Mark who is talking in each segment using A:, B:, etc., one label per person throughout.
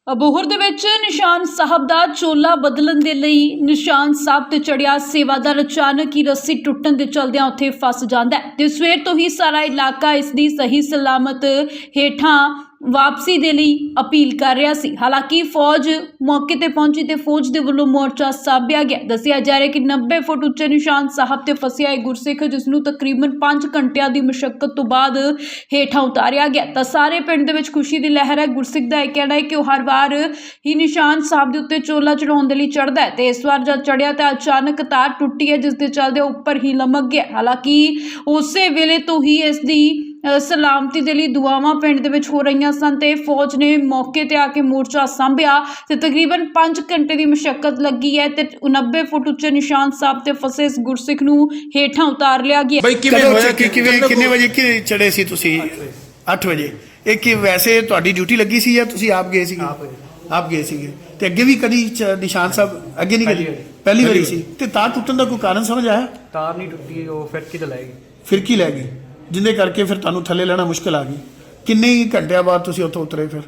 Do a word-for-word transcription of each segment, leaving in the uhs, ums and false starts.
A: ਅਬੋਹਰ ਦੇ ਵਿੱਚ ਨਿਸ਼ਾਨ ਸਾਹਿਬ ਦਾ ਚੋਲਾ ਬਦਲਣ ਦੇ ਲਈ ਨਿਸ਼ਾਨ ਸਾਹਿਬ ਤੇ ਚੜਿਆ ਸੇਵਾਦਾਰ ਅਚਾਨਕ ਹੀ ਰੱਸੀ ਟੁੱਟਣ ਦੇ ਚਲਦਿਆਂ ਉੱਥੇ ਫਸ ਜਾਂਦਾ ਹੈ ਤੇ ਸਵੇਰ ਤੋਂ ਹੀ ਸਾਰਾ ਇਲਾਕਾ ਇਸ ਦੀ ਸਹੀ ਸਲਾਮਤ ਹੇਠਾਂ ਵਾਪਸੀ ਦੇ ਲਈ ਅਪੀਲ ਕਰ ਰਿਹਾ ਸੀ। ਹਾਲਾਂਕਿ ਫੌਜ ਮੌਕੇ ਤੇ ਪਹੁੰਚੀ ਤੇ ਫੌਜ ਦੇ ਵੱਲੋਂ ਮੋਰਚਾ ਸਾਂਭਿਆ ਗਿਆ। ਦੱਸਿਆ ਜਾ ਰਿਹਾ ਕਿ ਨੱਬੇ ਫੁੱਟ ਉੱਚੇ ਨਿਸ਼ਾਨ ਸਾਹਿਬ ਤੇ ਫਸਿਆ ਇਹ ਗੁਰਸਿੱਖ, ਜਿਸ ਨੂੰ ਤਕਰੀਬਨ ਪੰਜ ਘੰਟਿਆਂ ਦੀ ਮੁਸ਼ੱਕਤ ਤੋਂ ਬਾਅਦ ਹੇਠਾਂ ਉਤਾਰਿਆ ਗਿਆ ਤਾਂ ਸਾਰੇ ਪਿੰਡ ਦੇ ਵਿੱਚ ਖੁਸ਼ੀ ਦੀ ਲਹਿਰ ਹੈ। ਗੁਰਸਿੱਖ ਦਾ ਇਹ ਕਹਿਣਾ ਹੈ ਕਿ ਉਹ ਹਰ ਵਾਰ ਹੀ ਨਿਸ਼ਾਨ ਸਾਹਿਬ ਦੇ ਉੱਤੇ ਚੋਲਾ ਚੜਾਉਣ ਦੇ ਲਈ ਚੜ੍ਹਦਾ ਹੈ ਤੇ ਇਸ ਵਾਰ ਜਦ ਚੜ੍ਹਿਆ ਤਾਂ ਅਚਾਨਕ ਤਾਰ ਟੁੱਟੀ ਹੈ, ਜਿਸ ਦੇ ਚੱਲਦੇ ਉੱਪਰ ਹੀ ਲਮਕ ਗਿਆ। ਹਾਲਾਂਕਿ ਉਸੇ ਵੇਲੇ ਤੋਂ ਹੀ ਇਸ ਦੀ ਸਲਾਮਤੀ ਦੇ ਲਈ ਦੁਆਵਾਂ ਪਿੰਡ ਦੇ ਵਿੱਚ ਹੋ ਰਹੀਆਂ ਸਨ ਤੇ ਫੌਜ ਨੇ ਮੌਕੇ ਤੇ ਆ ਕੇ ਮੋਰਚਾ ਸਾਂਭਿਆ ਤੇ ਤਕਰੀਬਨ ਪੰਜ ਘੰਟੇ ਦੀ ਮੁਸ਼ੱਕਤ ਲੱਗੀ ਹੈ ਤੇ ਨੱਬੇ ਫੁੱਟ ਉੱਚੇ ਨਿਸ਼ਾਨ ਸਾਹਿਬ ਤੇ ਫਸੇ ਇਸ ਗੁਰਸਿੱਖ ਨੂੰ ਹੇਠਾਂ ਉਤਾਰ ਲਿਆ ਗਿਆ।
B: ਬਈ ਕਿਵੇਂ ਹੋਇਆ ਕਿ ਕਿਵੇਂ ਕਿੰਨੇ ਵਜੇ ਕਿ ਚੜੇ ਸੀ ਤੁਸੀਂ? ਅੱਠ ਵਜੇ। ਇਹ ਕਿ ਵੈਸੇ ਤੁਹਾਡੀ ਡਿਊਟੀ ਲੱਗੀ ਸੀ ਜਾਂ ਤੁਸੀਂ ਆਪ ਗਏ ਸੀਗੇ? ਆਪ ਗਏ ਸੀਗੇ। ਤੇ ਅੱਗੇ ਵੀ ਕਦੀ ਨਿਸ਼ਾਨ ਸਾਹਿਬ ਅੱਗੇ ਨਹੀਂ ਕਦੀ? ਪਹਿਲੀ ਵਾਰੀ ਸੀ। ਤੇ ਤਾਰ ਟੁੱਟਣ ਦਾ ਕੋਈ ਕਾਰਨ ਸਮਝ ਆਇਆ?
C: ਤਾਰ ਨਹੀਂ ਟੁੱਟੀ, ਉਹ ਫਿਰਕੀ ਤੇ ਲੈ ਗਈ।
B: ਫਿਰਕੀ ਲੈ ਗਈ, ਜਿਹਦੇ ਕਰਕੇ ਫਿਰ ਤੁਹਾਨੂੰ ਥੱਲੇ ਲੈਣਾ ਮੁਸ਼ਕਲ ਆ ਗਈ। ਕਿੰਨੇ ਹੀ ਘੰਟਿਆਂ ਬਾਅਦ ਤੁਸੀਂ ਉੱਥੋਂ ਉਤਰੇ? ਫਿਰ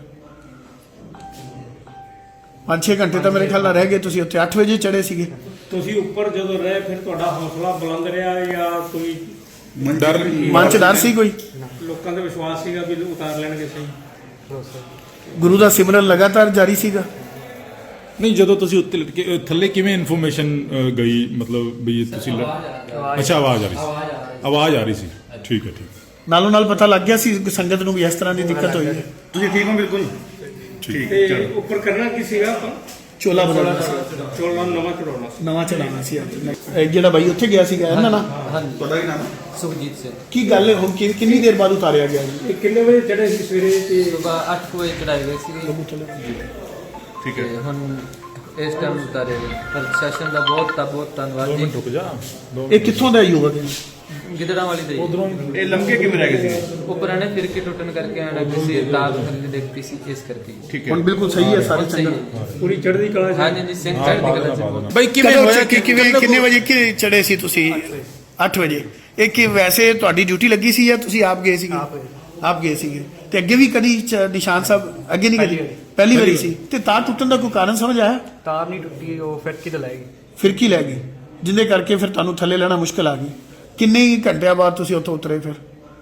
B: ਪੰਜ ਛੇ ਘੰਟੇ ਤਾਂ ਮੇਰੇ ਖਿਆਲ ਨਾਲ ਰਹਿ ਗਏ ਤੁਸੀਂ ਉੱਥੇ। ਅੱਠ ਵਜੇ ਚੜੇ ਸੀਗੇ
D: ਤੁਸੀਂ ਉੱਪਰ ਜਦੋਂ ਰਹੇ ਫਿਰ ਤੁਹਾਡਾ ਹੌਸਲਾ ਬੁਲੰਦ ਰਿਹਾ ਜਾਂ ਕੋਈ
B: ਡਰ ਮਨ ਚ ਡਰ ਸੀ? ਕੋਈ
D: ਲੋਕਾਂ ਦਾ ਵਿਸ਼ਵਾਸ ਸੀਗਾ ਵੀ ਉਤਾਰ ਲੈਣਗੇ ਸਹੀ?
B: ਗੁਰੂ ਦਾ ਸਿਮਰਨ ਲਗਾਤਾਰ ਜਾਰੀ ਸੀਗਾ?
E: ਨਹੀਂ, ਜਦੋਂ ਤੁਸੀਂ ਉੱਤੇ ਲਟਕੇ ਅ, ਥੱਲੇ ਕਿਵੇਂ ਇਨਫੋਰਮੇਸ਼ਨ ਗਈ? ਮਤਲਬ ਵੀ ਤੁਸੀਂ ਲ- ਅੱਛਾ, ਆਵਾਜ਼ ਆ ਰਹੀ ਸੀ। ਆਵਾਜ਼ ਆ ਰਹੀ ਸੀ। ਠੀਕ ਹੈ, ਠੀਕ।
B: ਨਾਲੋਂ ਨਾਲ ਪਤਾ ਲੱਗ ਗਿਆ ਸੀ ਸੰਗਤ ਨੂੰ ਵੀ ਇਸ ਤਰ੍ਹਾਂ ਦੀ ਦਿੱਕਤ ਹੋਈ ਹੈ?
D: ਤੁਸੀਂ ਠੀਕ ਹੋ? ਬਿਲਕੁਲ
E: ਠੀਕ
D: ਤੇ ਉੱਪਰ ਕਰਨਾ ਕੀ ਸੀਗਾ ਆਪਾਂ?
B: ਚੋਲਾ ਬਦਲਣਾ ਸੀ,
D: ਚੋਲਾ ਨਵਾਂ ਚੜਾਉਣਾ ਸੀ।
B: ਨਵਾਂ ਚੜਾਉਣਾ ਸੀ। ਇਹ ਜਿਹੜਾ ਬਾਈ ਉੱਥੇ ਗਿਆ ਸੀਗਾ ਇਹਨਾਂ ਨਾਲ, ਤੁਹਾਡਾ ਕੀ ਨਾਮ?
F: ਸੁਖਜੀਤ ਸਿੰਘ।
B: ਕੀ ਗੱਲ ਹੈ ਹੁਣ? ਕਿ- ਕਿੰਨੀ ਦੇਰ ਬਾਅਦ ਉਤਾਰਿਆ ਗਿਆ?
D: ਇਹ ਕਿੰਨੇ ਵਜੇ ਚੜੇ ਸੀ ਸਵੇਰੇ? ਤੇ
F: ਸੁਬਹ ਅੱਠ ਵਜੇ ਚੜਾਈ ਗਈ ਸੀ
E: ਠੀਕ
F: ਤੇ
E: ਹੈ।
F: ਹੁਣ ਇਸ ਟਾਈਮ ਉਤਾਰੇ ਗਏ। ਪ੍ਰਸ਼ਾਸਨ ਦਾ ਬਹੁਤ ਤਾਂ ਬਹੁਤ ਧੰਨਵਾਦ ਜੀ।
E: ਰੁਕ ਜਾ।
B: ਇਹ ਕਿੱਥੋਂ ਦਾ ਯੁਵਕ ਹੈ?
F: ਗਿੱਦੜਾਂ ਵਾਲੀ ਦੇ ਜੀ।
D: ਇਹ ਲੰਘੇ ਕਿਵੇਂ ਰਹਿ ਗਏ ਸੀ?
F: ਉੱਪਰ ਆਣੇ ਫਿਰ ਕੇ ਟੁੱਟਣ ਕਰਕੇ ਆਣਾ ਕਿਸੇ ਤਾਰ ਥੱਲੇ ਦੇਖਤੀ ਸੀ, ਇਸ ਕਰਕੇ
E: ਠੀਕ ਹੈ।
B: ਹੁਣ ਬਿਲਕੁਲ ਸਹੀ ਹੈ ਸਾਰੇ
F: ਸਹੀ
B: ਚੰਗਾ?
F: ਹੈ।
D: ਪੂਰੀ ਚੜ੍ਹਦੀ ਕਲਾ ਸੀ।
F: ਹਾਂਜੀ ਜੀ, ਸਿੰਘ ਚੜ੍ਹਦੀ ਕਲਾ ਚ।
B: ਬਈ ਕਿਵੇਂ ਹੋਇਆ ਕਿ ਕਿਵੇਂ ਕਿੰਨੇ ਵਜੇ ਕਿ ਚੜੇ ਸੀ ਤੁਸੀਂ? ਅੱਠ ਵਜੇ। ਇਹ ਕਿ ਵੈਸੇ ਤੁਹਾਡੀ ਡਿਊਟੀ ਲੱਗੀ ਸੀ ਜਾਂ ਤੁਸੀਂ ਆਪ ਗਏ ਸੀਗੇ? ਆਪ ਗਏ ਸੀਗੇ। ਤੇ ਅੱਗੇ ਵੀ ਕਦੀ ਨਿਸ਼ਾਨ ਸਾਹਿਬ ਅੱਗੇ ਨਹੀਂ ਕਦੀ? ਪਹਿਲੀ ਵਾਰੀ ਸੀ। ਤੇ ਤਾਰ ਟੁੱਟਣ ਦਾ ਕੋਈ ਕਾਰਨ ਸਮਝ ਆਇਆ?
C: ਤਾਰ ਨਹੀਂ ਟੁੱਟੀ, ਉਹ ਫਿਰਕੀ ਤੇ ਲੈ ਗਈ।
B: ਫਿਰਕੀ ਲੈ ਗਈ, ਜਿਹਦੇ ਕਰਕੇ ਫਿਰ ਤੁਹਾਨੂੰ ਥੱਲੇ ਲੈਣਾ ਮੁਸ਼ਕਲ ਆ ਗਈ। ਕਿੰਨੇ ਹੀ ਘੰਟਿਆਂ ਬਾਅਦ ਤੁਸੀਂ ਉੱਥੋਂ ਉਤਰੇ? ਫਿਰ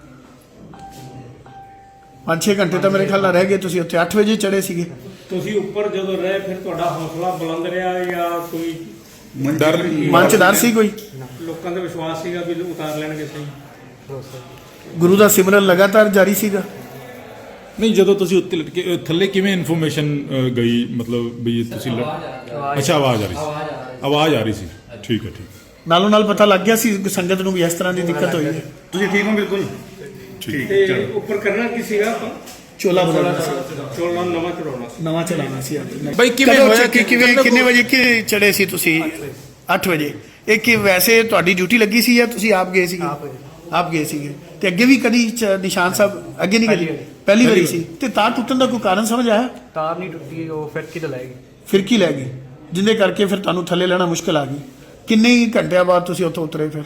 B: ਪੰਜ ਛੇ ਘੰਟੇ ਤਾਂ ਮੇਰੇ ਖਿਆਲ ਨਾਲ ਰਹਿ ਗਏ ਤੁਸੀਂ ਉੱਥੇ। ਅੱਠ ਵਜੇ ਚੜੇ ਸੀਗੇ।
D: ਤੁਸੀਂ ਉੱਪਰ ਜਦੋਂ ਰਹੇ ਫਿਰ ਤੁਹਾਡਾ ਹੌਸਲਾ ਬੁਲੰਦ ਰਿਹਾ ਜਾਂ ਕੋਈ
E: ਡਰ
B: ਮਨ ਚ ਡਰ ਸੀ? ਕੋਈ
D: ਲੋਕਾਂ ਦਾ ਵਿਸ਼ਵਾਸ ਸੀਗਾ ਵੀ ਉਤਾਰ ਲੈਣਗੇ ਸਹੀ?
B: ਗੁਰੂ ਦਾ ਸਿਮਰਨ ਲਗਾਤਾਰ ਜਾਰੀ ਸੀਗਾ?
E: ਨਹੀਂ, ਜਦੋਂ ਤੁਸੀਂ ਉੱਤੇ ਲਟਕੇ ਅ, ਥੱਲੇ ਕਿਵੇਂ ਇਨਫੋਰਮੇਸ਼ਨ ਗਈ? ਮਤਲਬ ਵੀ ਤੁਸੀਂ ਲ- ਅੱਛਾ, ਆਵਾਜ਼ ਆ ਰਹੀ ਸੀ। ਆਵਾਜ਼ ਆ ਰਹੀ ਸੀ। ਠੀਕ ਹੈ, ਠੀਕ।
B: ਨਾਲੋਂ ਨਾਲ ਪਤਾ ਲੱਗ ਗਿਆ ਸੀ ਸੰਗਤ ਨੂੰ ਵੀ ਇਸ ਤਰ੍ਹਾਂ ਦੀ ਦਿੱਕਤ ਹੋਈ ਹੈ?
D: ਤੁਸੀਂ ਠੀਕ ਹੋ? ਬਿਲਕੁਲ
E: ਠੀਕ।
D: ਤੇ ਉੱਪਰ ਕਰਨਾ ਕੀ ਸੀਗਾ ਆਪਾਂ?
B: ਚੋਲਾ ਬਦਲਣਾ ਸੀ,
D: ਚੋਲਾ ਨਵਾਂ ਚੜਾਉਣਾ ਸੀ।
B: ਨਵਾਂ ਚੜਾਉਣਾ ਸੀ।
E: ਬਈ ਕਿਵੇਂ ਹੋਇਆ ਕਿ
B: ਕਿਵੇਂ ਕਿੰਨੇ ਵਜੇ ਕਿ ਚੜੇ ਸੀ ਤੁਸੀਂ? ਅੱਠ ਵਜੇ। ਇਹ ਕਿ ਵੈਸੇ ਤੁਹਾਡੀ ਡਿਊਟੀ ਲੱਗੀ ਸੀ ਜਾਂ ਤੁਸੀਂ ਆਪ ਗਏ ਸੀਗੇ? ਆਪ ਗਏ ਸੀਗੇ। ਤੇ ਅੱਗੇ ਵੀ ਕਦੀ ਨਿਸ਼ਾਨ ਸਾਹਿਬ ਅੱਗੇ ਨਹੀਂ ਕਦੀ? ਪਹਿਲੀ ਵਾਰੀ ਸੀ। ਤੇ ਤਾਰ ਟੁੱਟਣ ਦਾ ਕੋਈ ਕਾਰਨ ਸਮਝ ਆਇਆ?
C: ਤਾਰ ਨਹੀਂ ਟੁੱਟੀ, ਉਹ ਫਿਰਕੀ ਤੇ ਲੈ ਗਈ।
B: ਫਿਰਕੀ ਲੈ ਗਈ, ਜਿਹਦੇ ਕਰਕੇ ਫਿਰ ਤੁਹਾਨੂੰ ਥੱਲੇ ਲੈਣਾ ਮੁਸ਼ਕਲ ਆ ਗਈ। ਕਿੰਨੇ ਹੀ ਘੰਟਿਆਂ ਬਾਅਦ ਤੁਸੀਂ ਉੱਥੋਂ ਉਤਰੇ? ਫਿਰ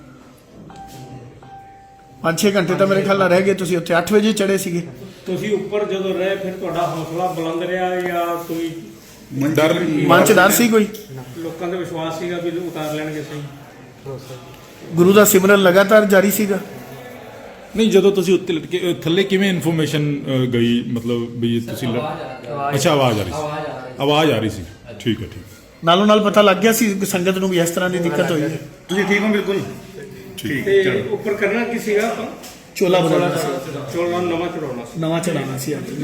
B: ਪੰਜ ਛੇ ਘੰਟੇ ਤਾਂ ਮੇਰੇ ਖਿਆਲ ਨਾਲ ਰਹਿ ਗਏ ਤੁਸੀਂ ਉੱਥੇ। ਅੱਠ ਵਜੇ ਚੜੇ ਸੀਗੇ।
D: ਤੁਸੀਂ ਉੱਪਰ ਜਦੋਂ ਰਹੇ ਫਿਰ ਤੁਹਾਡਾ ਹੌਸਲਾ ਬੁਲੰਦ ਰਿਹਾ ਜਾਂ ਕੋਈ
E: ਡਰ
B: ਮਨ ਚ ਡਰ ਸੀ? ਕੋਈ
D: ਲੋਕਾਂ ਦਾ ਵਿਸ਼ਵਾਸ ਸੀਗਾ ਵੀ ਉਤਾਰ ਲੈਣਗੇ ਸਹੀ?
B: ਗੁਰੂ ਦਾ ਸਿਮਰਨ ਲਗਾਤਾਰ ਜਾਰੀ ਸੀਗਾ?
E: ਨਹੀਂ, ਜਦੋਂ ਤੁਸੀਂ ਉੱਤੇ ਲਟਕੇ ਅ, ਥੱਲੇ ਕਿਵੇਂ ਇਨਫੋਰਮੇਸ਼ਨ ਗਈ? ਮਤਲਬ ਵੀ ਤੁਸੀਂ ਲ- ਅੱਛਾ, ਆਵਾਜ਼ ਆ ਰਹੀ ਸੀ। ਆਵਾਜ਼ ਆ ਰਹੀ ਸੀ। ਠੀਕ ਹੈ, ਠੀਕ।
B: ਨਾਲੋਂ ਨਾਲ ਪਤਾ ਲੱਗ ਗਿਆ ਸੀ ਸੰਗਤ ਨੂੰ ਵੀ ਇਸ ਤਰ੍ਹਾਂ ਦੀ ਦਿੱਕਤ ਹੋਈ ਹੈ?
D: ਤੁਸੀਂ ਠੀਕ ਹੋ? ਬਿਲਕੁਲ
E: ਠੀਕ।
D: ਤੇ ਉੱਪਰ ਕਰਨਾ ਕੀ ਸੀਗਾ ਆਪਾਂ?
B: ਚੋਲਾ ਬਦਲਣਾ ਸੀ,
D: ਚੋਲਾ ਨਵਾਂ ਚੜਾਉਣਾ ਸੀ।
B: ਨਵਾਂ ਚੜਾਉਣਾ ਸੀ।